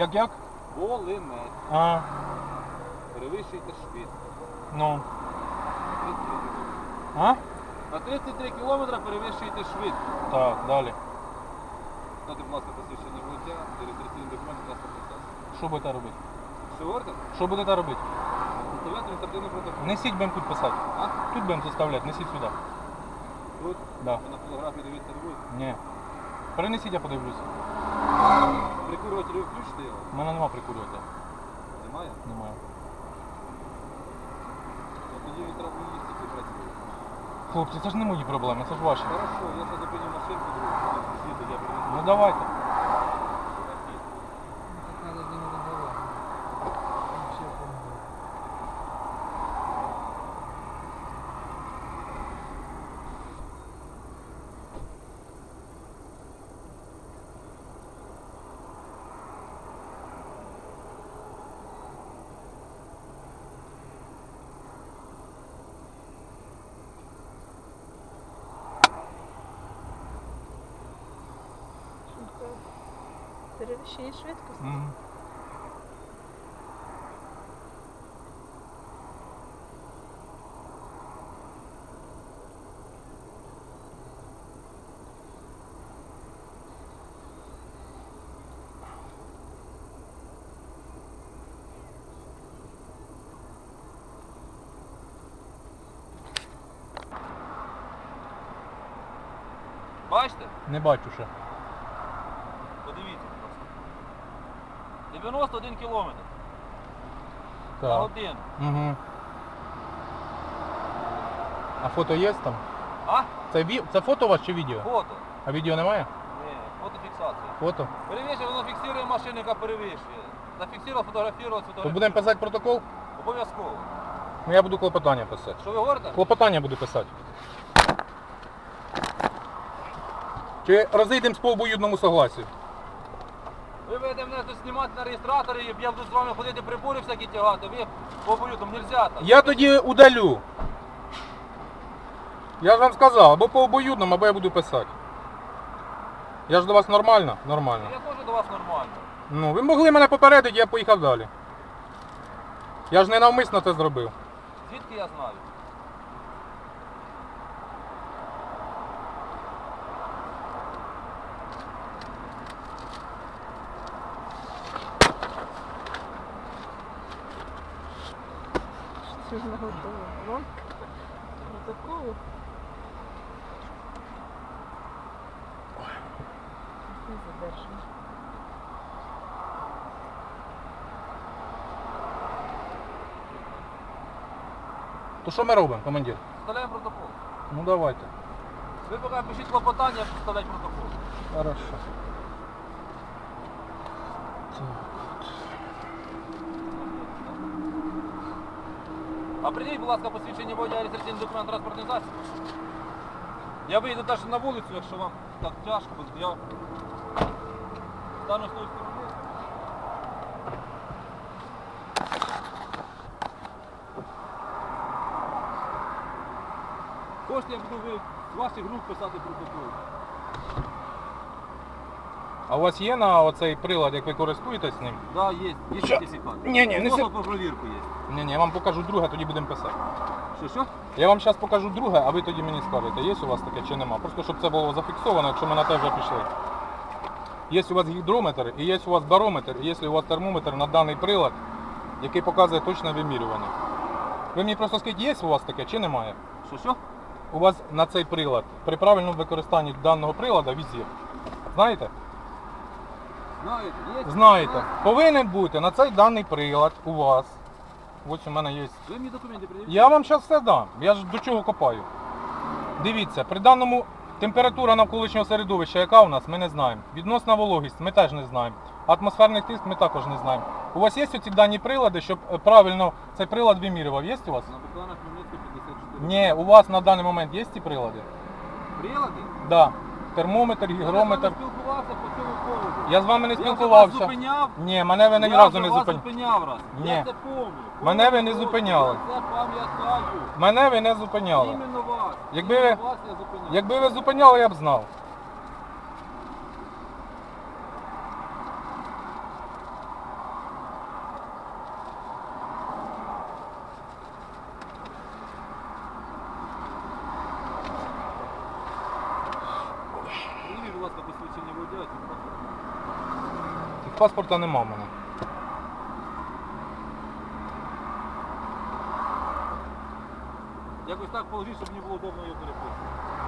Як? Волинець. А, Перевищуйте швидкість. ну. На 33 кілометри перевищуєте швидкість. Так, далі. Дайте, будь ласка, посвідчення водія, реєстраційний документ, транспортний засіб. Що будете робити? Що говорите? Що будете робити? Составляти адміністративний протокол. Несіть будемо тут писати. А? Тут будемо заставляти, несіть сюди. Тут? Да. Ви на фотографії дивитися не будете? Ні. Перенесіть, я подивлюся. Прикурюватель ви включите його? У мене нема прикурювати. Немає? Немає. Ну, тоді не треба їсти, ці працює. Хлопці, це ж не мої проблеми, це ж ваші. Хорошо, я зараз зупиню машинку, другу, звідти я принесу. Ну давайте. Надо с ними разговаривать. Вообще помогает. Перевищення швидкості. Мгм. Бачите? Не бачу ще. Подивіться, будь ласка. 91 кілометр на Так. годину. Угу. А фото є там? А? Це фото у вас чи відео? Фото. А відео немає? Ні, фотофіксація. Фото? Перевищує, воно фіксує машину, яка перевищує. Зафіксував, фотографував, То сфотографував. будемо писати протокол? Обов'язково. Ну я буду клопотання писати. Що ви говорите? Клопотання буду писати. Чи розійдемо по обоюдному согласію? Ви будете мене тут знімати на реєстраторі, і я буду з вами ходити прибори всякі тягати. Ви по там нельзя так. Я тоді удалю. Я ж вам сказав, або по обоюдному, або я буду писати. Я ж до вас нормально? Нормально. Я теж до вас нормально. Ну, ви могли мене попередити, я поїхав далі. Я ж не навмисно це зробив. Звідки я знаю? Що ж наготовила? Вам? Протоколу? Не задержано. То що ми робимо, командир? Составляємо протокол. Ну давайте. Ви поки пишіть клопотання, я буду составляти протокол. Хорошо. А прийдіть, будь ласка, посвідчення водія, реєстраційний документ, транспортний засіб. Я вийду навіть на вулицю, якщо вам так тяжко, бо я стану з тої сторони. Хочете, я буду з ваших рук писати протокол. А у вас є на оцей прилад, як ви користуєтесь ним? Да, є Що? сертифікат. Ні, не Просто сер- про провірку є. Ні, я вам покажу друге, тоді будемо писати. Що? Я вам зараз покажу друге, а ви тоді мені скажете, є у вас таке чи нема. Просто щоб це було зафіксовано, якщо ми на те вже пішли. Є у вас гідрометр, і є у вас барометр, і є у вас термометр на даний прилад, який показує точне вимірювання. Ви мені просто скажіть, є у вас таке чи немає? Що? У вас на цей прилад, при правильному використанні даного прилада візір. Знаєте? Знаєте, є? Знаєте. Повинен бути на цей даний прилад у вас. Ось у мене є. Ви мені документи пред'явіть? Я вам зараз все дам. Я ж до чого копаю. Дивіться, при даному температура навколишнього середовища, яка у нас, ми не знаємо. Відносна вологість, ми теж не знаємо. Атмосферний тиск ми також не знаємо. У вас є оці дані прилади, щоб правильно цей прилад вимірював? Є у вас? На Богдана Хмельницька 54. Ні, у вас на даний момент є ці прилади? Прилади? Так. Да. Термометр, гігрометр. Я з вами спілкувався по цьому поводу. Я з вами не Я вже вас спілкувався. зупиняв. Ні, мене ви ні Я разу вже не вас зупиняли. зупиняв раз. Ні. Я це помню. Мене ви не Помню, зупиняли. Це пам'ятаю. Мене ви не зупиняли. Іменно вас. Якби Іменно ви- вас я зупиняв. Якби ви зупиняли, я б знав. паспорта нема в мене. Якось так положіть, щоб мені було удобно його переписувати.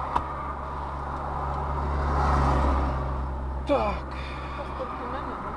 Так. Паспорт у мене, так?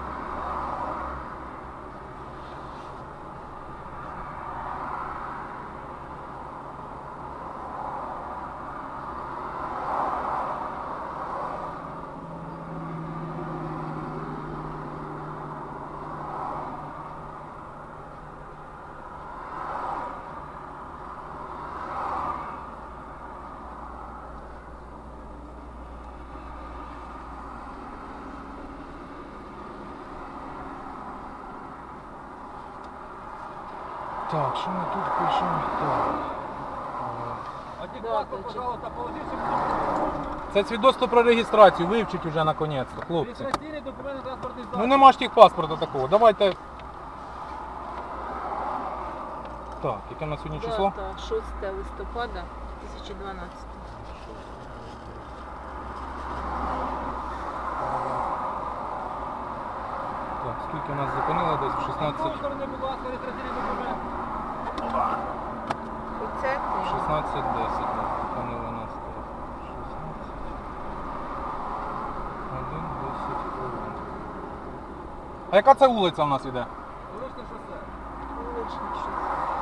Так, що ми тут пишемо? Так. А ті Да, паспорт, точно. пожалуйста, положіть, щоб мені було удобно. Це свідоцтво про реєстрацію, вивчіть уже наконець-то, хлопці. Реєстраційний документ на транспортний засіб. Ну нема ж тих паспорта такого. Давайте. Так, яке на сьогодні число? Дата 6 листопада 2012. Так, скільки нас зупинило? Десь в З 16. другої сторони, будь ласка, реєстраційний документ. Оце ти. 16:10, так, зупинило нас. 16. 1:10 хвилин. А яка це вулиця у нас іде? Вуличне шосе. Вуличне щось.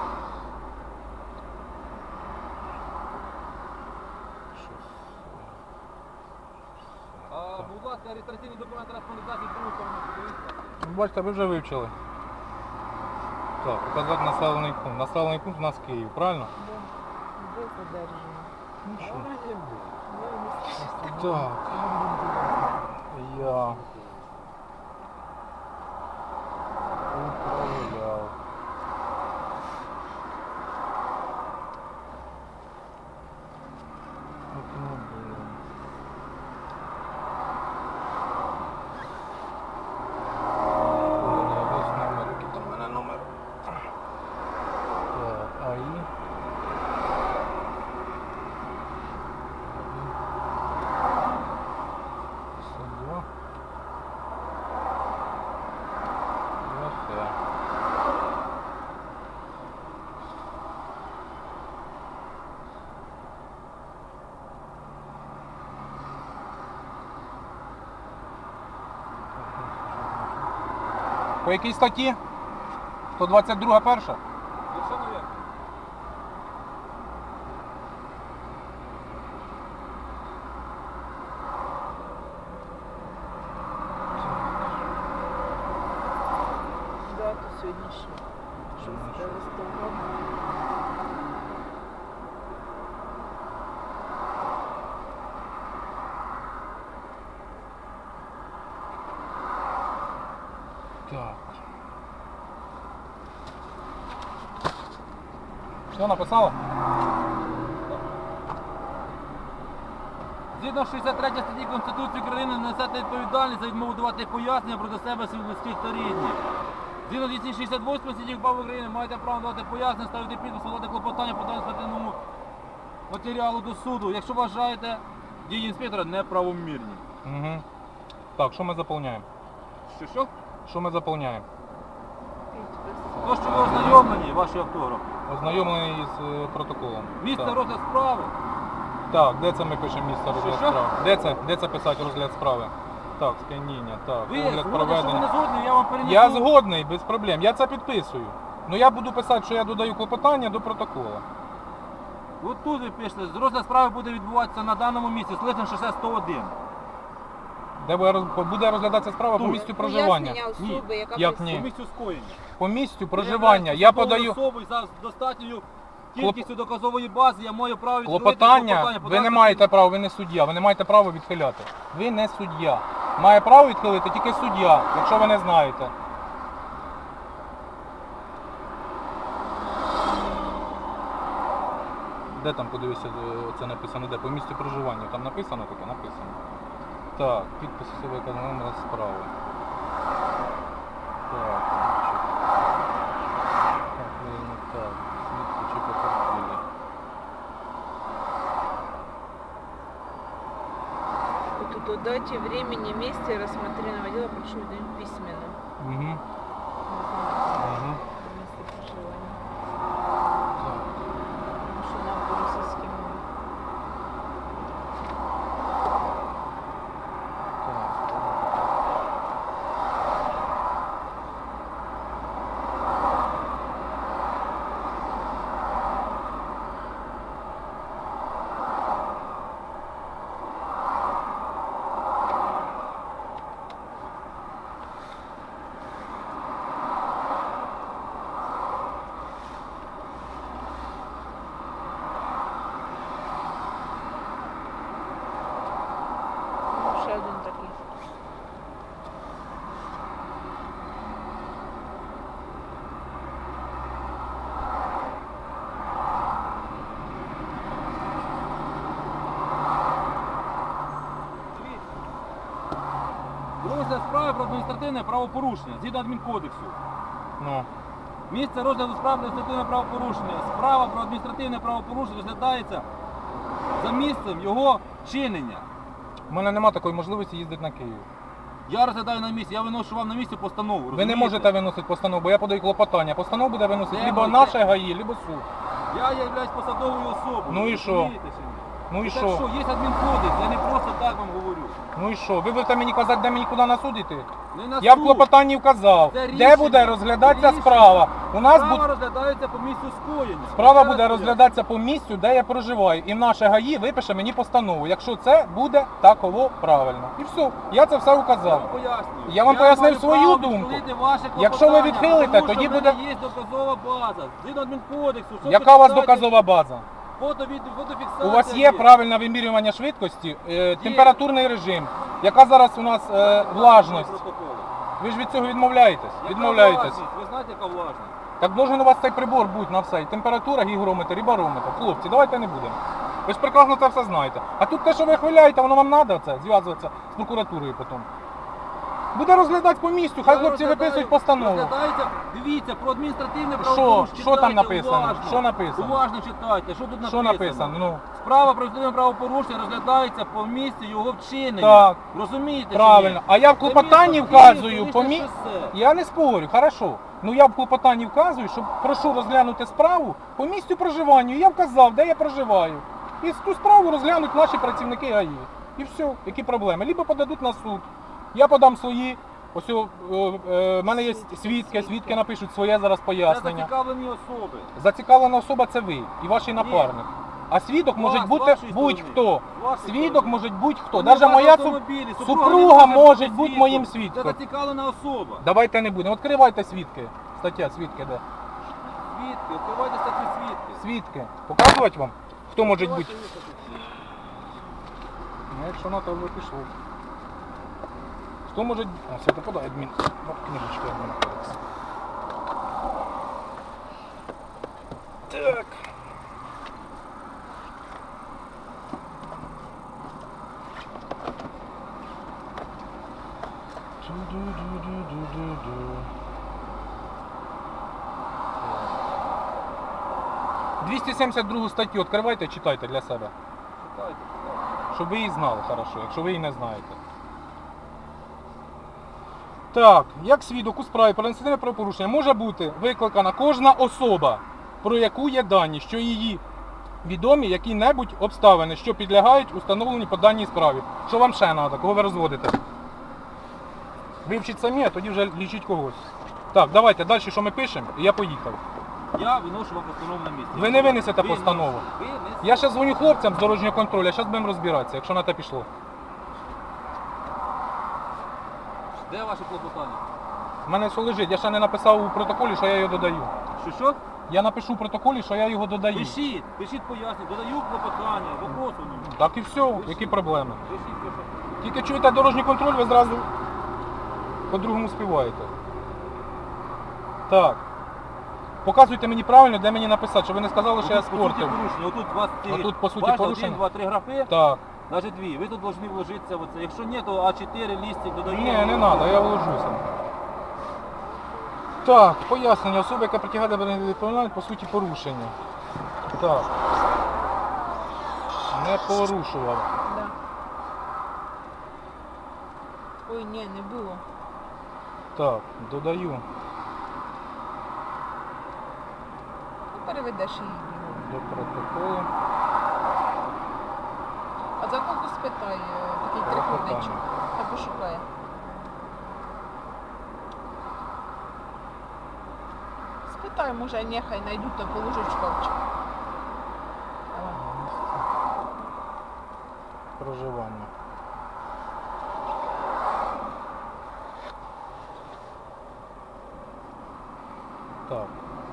Будь ласка, реєстраційний документ транспортний засіб, з другої сторони, подивіться. Бачите, ви вже вивчили. Так, показати населений пункт. Населений пункт у нас Київ, правильно? Де задержано? Ну що? Я не знаю. Так. Я управляв. Автомобілем. Ось номер, який там у мене номер. Так, АІ. Два. По якій статті? 122 перша? Якщо не вірно. Дату сьогоднішню. 6 листопада. Так. Все написала? Згідно 63 статті Конституції України несете відповідальність за відмову давати пояснення проти себе своїх близьких та рідних. Згідно 268 статті КПА України маєте право давати пояснення, ставити підпис, подати клопотання по адміністративному матеріалу до суду, якщо вважаєте дії інспектора неправомірні. Угу. Так, що ми заповняємо? Що? Що ми заповняємо? Підпис. То, що ви ознайомлені, ваші автографи. Ознайомлений з протоколом. Місце Так. розгляд справи. Так, де це ми пишемо місце розгляд Що? справи? Де це писати розгляд справи? Так, сканіння, так, Ви огляд згодні, що ви не проведення. згодні, я вам перенесу. Я згодний, без проблем. Я це підписую. Ну я буду писати, що я додаю клопотання до протоколу. От тут ви пишете, розгляд справи буде відбуватися на даному місці, Слизне шосе 101. Де буде розглядатися справа по Тут. місцю проживання. Пояснення особи, яка Як присутня. ні? По місцю скоєння. По місцю проживання. Я подаю особою за достатньою кількістю доказової бази, я маю право відхилити клопотання. Ви подати не маєте права, ви не суддя, ви не маєте права відхиляти. Ви не суддя. Має право відхилити тільки суддя, якщо ви не знаєте. Де там, подивися, це написано, де? По місцю проживання. Там написано таке? Написано. Так, підпис особи, яка номер справи. Так, так, так, свідки чи потерпілі. Тут До дате, времени, месте рассмотренного дела прошу уведомить письменно. Угу. Не знаю, Угу. место проживания. Потому что нам по-российски много. Ну, ще один такий. Розгляд справи про адміністративне правопорушення згідно адмінкодексу. Ну. Місце розгляду справи про адміністративне правопорушення. Справа про адміністративне правопорушення розглядається за місцем його чинення. У мене нема такої можливості їздити на Київ. Я розглядаю на місці, я виношу вам на місці постанову. Ви не розумієте? можете виносити постанову, бо я подаю клопотання. Постанову буде виносити Де либо ви? наше ГАІ, либо суд. Я являюсь посадовою особою. Ну і ви що? розумієте чи ні? Ну і Так що? що, є адмінкодекс, я не просто так вам говорю. Ну і що? Ви будете мені казати, де мені куди на суд іти? Не на Я в суд. клопотанні вказав, Це де рішення. буде розглядатися Рішення. справа. У нас Справа буде розглядається по місцю скоєння. справа Ще буде раз розглядатися по місцю, де я проживаю. І в наше ГАІ випише мені постанову, якщо це буде таково правильно. І все. Я це все Я указав. вам пояснюю. Я вам пояснив маю свою право думку. відхилити ваше Якщо ви клопотання, відхилите, тому тоді що в буде- мене є доказова база. Згідно адмінкодексу. що Яка у вас почитайте, доказова база? фотофіксація У вас є правильне вимірювання швидкості, температурний режим. Яка зараз у нас влажність? Протоколи. Ви ж від цього відмовляєтесь? Яка Відмовляєтесь. власність? Ви знаєте, яка влажність? Так должен у вас цей прибор бути на все. І температура, гігрометр і барометр. Хлопці, давайте не будемо. Ви ж прекрасно це все знаєте. А тут те, що ви хвиляєте, воно вам треба це, зв'язуватися з прокуратурою потім. Буде розглядати по місцю, хай Я хлопці розглядаю- виписують постанову. Розглядається, дивіться, про адміністративне Що? правопорушення. Що там Читайте написано? уважно. Що написано? Уважно читайте. Що тут Що написано? Ну, Справа про адміністративне правопорушення розглядається по місці його вчинення. Так. Розумієте? чи правильно. ні? А я в Це клопотанні місто вказую Київ, по столичне місцю. шосе. Я не спорю, хорошо. Ну я в клопотанні вказую, що прошу розглянути справу по місцю проживання. Я вказав, де я проживаю. І ту справу розглянуть наші працівники ГАІ. І все, які проблеми. Либо подадуть на суд. Я подам свої. Ось в мене є свідки, свідки напишуть своє зараз Це пояснення. зацікавлені особи. Зацікавлена особа це ви і ваш напарник. А свідок може З бути вашої будь-хто. сторони. З вашої Свідок сторони. може будь-хто. Вони Навіть в моя автомобілі. супруга не може бути свідком. моїм Це свідком. зацікавлена особа. Давайте не будемо. Відкривайте свідки. Стаття свідки де? Свідки, відкривайте статтю свідки. Свідки. Показувати вам? Хто може бути? Відкривайте статтю свідки. Ну, якщо на то вже пішло. Хто може... А, все, подай адмін. Ну, книжечка адмінкодекс. Так. Ду-ду-ду-ду-ду-ду. 272 статтю відкривайте, читайте для себе. Читайте, читайте. Щоб ви її знали хорошо, якщо ви її не знаєте. Так, як свідок у справі про адміністративне правопорушення може бути викликана кожна особа, про яку є дані, що її відомі які-небудь обставини, що підлягають установленню по даній справі. Що вам ще треба, кого ви розводите? Вивчіть самі, а тоді вже лічіть когось. Так, давайте далі, що ми пишемо, і я поїхав. Я виношу вам постанову на місці. Ви не винесете Ви постанову. ви несете. Я ще дзвоню хлопцям з дорожнього контролю, а зараз будемо розбиратися, якщо на те пішло. Де ваше клопотання? У мене все лежить, я ще не написав у протоколі, що я його додаю. Що? Я напишу в протоколі, що я його додаю. Пишіть, пишіть пояснення, додаю клопотання, вопрос у ньому. Так і все, які проблеми. Пишіть, пишіть. Тільки чуєте дорожній контроль, ви зразу по-другому співаєте. Так. Показуйте мені правильно, де мені написати, щоб ви не сказали, що я Отут, по суті, спортив. порушення. Отут у вас ці, Отут, по суті, бачите, порушення? 1, 2, 3 графи, Так. навіть 2. Ви тут повинні вложитися в оце. Якщо ні, то А4 лістик додаємо. Ні, не треба, я вложуся. Так, пояснення. Особа, яка притягає до відповідальності, по суті, порушення. Так. Не порушував. Да. Ой, ні, не було. Так, додаю Ну, переведеш її. до протоколу. А за кого спитай, такий трикутничок. Хай пошукає. Спитай, може, нехай знайдуть, то положить в шкафчик. Давай. Проживання. Так.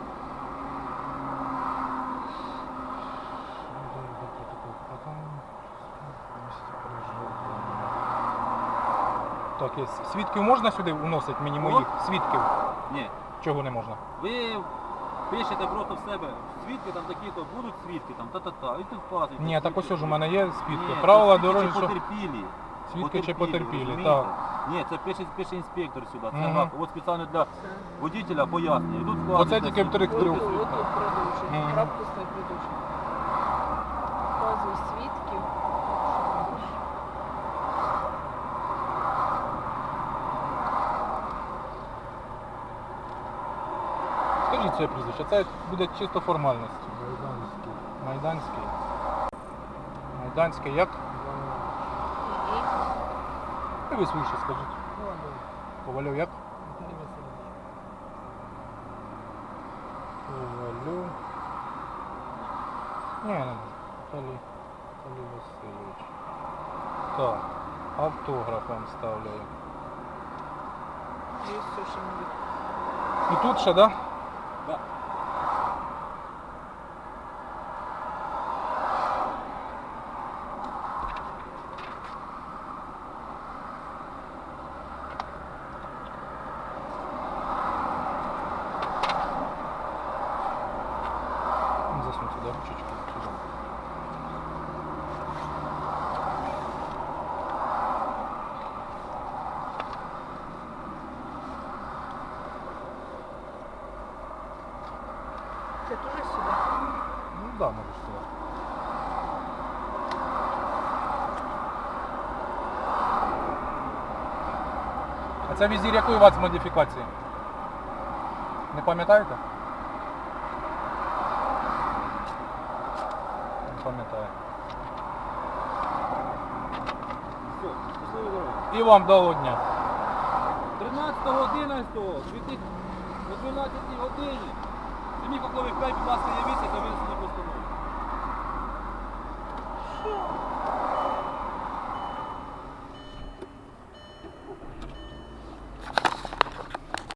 Так, є. Свідків можна сюди вносити мені моїх свідків? Ні. Чого не можна? Ви пишете просто в себе свідки, там такі-то будуть свідки, там та-та-та, і тут вказуєте. Ні, так ось ж у мене є свідки. Ні, Правила це свідки дорожнього. чи потерпілі. Свідки чи потерпілі, розумієте? так. Ні, це пише інспектор сюди. Це Мгм. гак. От спеціально для водителя пояснює. І тут вказуєте Оце тільки в свідки. трьох. Отут продовжуй. Мгм. Крапку став продовжуй. Вказуй свідків. Скажіть своє прізвище, це буде чисто формальність. Майданський. Майданський. Майданський як? І ви свіше скажіть. Ковальов. Ковальов як? Віталій Васильович. Ковалю. Ні, не можу. Віталій Васильович. Так, автограф вам ставляю. І все, що ми І тут ще, да? Да. Засунь сюди ручечку. Сюди. Це теж сюди. Ну да, можеш сюди. А це візір якої у вас модифікації? Не пам'ятаєте? Не пам'ятаю. Все, щасливої дороги. І вам дало дня. 13.11 о 12 годині. Самі, коли ви 5, будь ласка, явіться, то ви